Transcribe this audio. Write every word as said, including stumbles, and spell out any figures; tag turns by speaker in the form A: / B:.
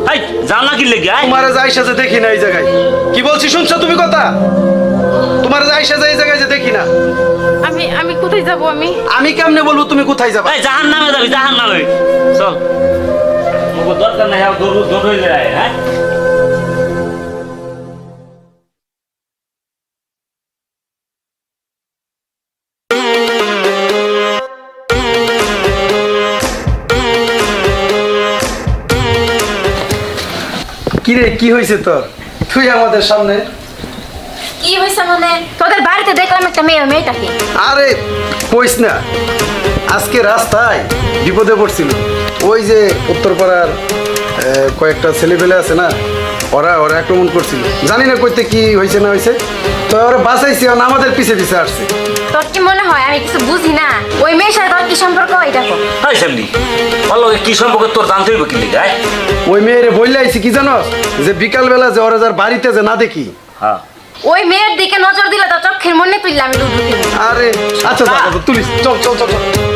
A: এই জান না কি লেগে
B: তোমার যাইসা যে দেখি না এই জায়গায় কি বলছি শুনছো তুমি কথা তোমার যাইসা যে এই জায়গায় যে দেখি না
C: আমি আমি কোথায় যাব আমি
B: আমি কেমনে বলবো তুমি কোথায় যাবা
A: এই জাহান্নামে যাবি জাহান্নামে চল ওগো দরকার নাই আর দৌড় দৌড় হয়ে যায় হ্যাঁ
B: কি রে কি হয়েছে তোর তুই আমাদের সামনে
C: কি হইছে মানে তোদের বাড়িতে দেখলাম একটা মেয়ে মেয়েটাকে
B: আরে কইস না আজকে রাস্তায় বিপদে পড়ছিল ওই যে উত্তরপাড়ার আহ, কয়েকটা ছেলেপেলে আছে না ওরা ওরা আক্রমণ করছিল জানি না কইতে কি হয়েছে না হয়েছে তো ওরা বাঁচাইছে আর আমাদের পিছে পিছে আসছে
C: তোর কি মনে হয় আমি কিছু বুঝি না ওই মেয়ের সাথে তোর কি সম্পর্ক এই দেখো
A: এই সামনি বলো কি সম্পর্কে তোর জানতে হইব কি লেগে হ্যাঁ
B: ওই মেয়েরে বললে আইছি কি জানো যে বিকালবেলা যে ওরা যার বাড়িতে যে না দেখি
A: হ্যাঁ
C: ওই মেয়ের দিকে নজর দিলে তো চোখের মনে তুললে আমি লুডু খেলি
B: আরে আচ্ছা দাদা তুলিস চল চল চল চল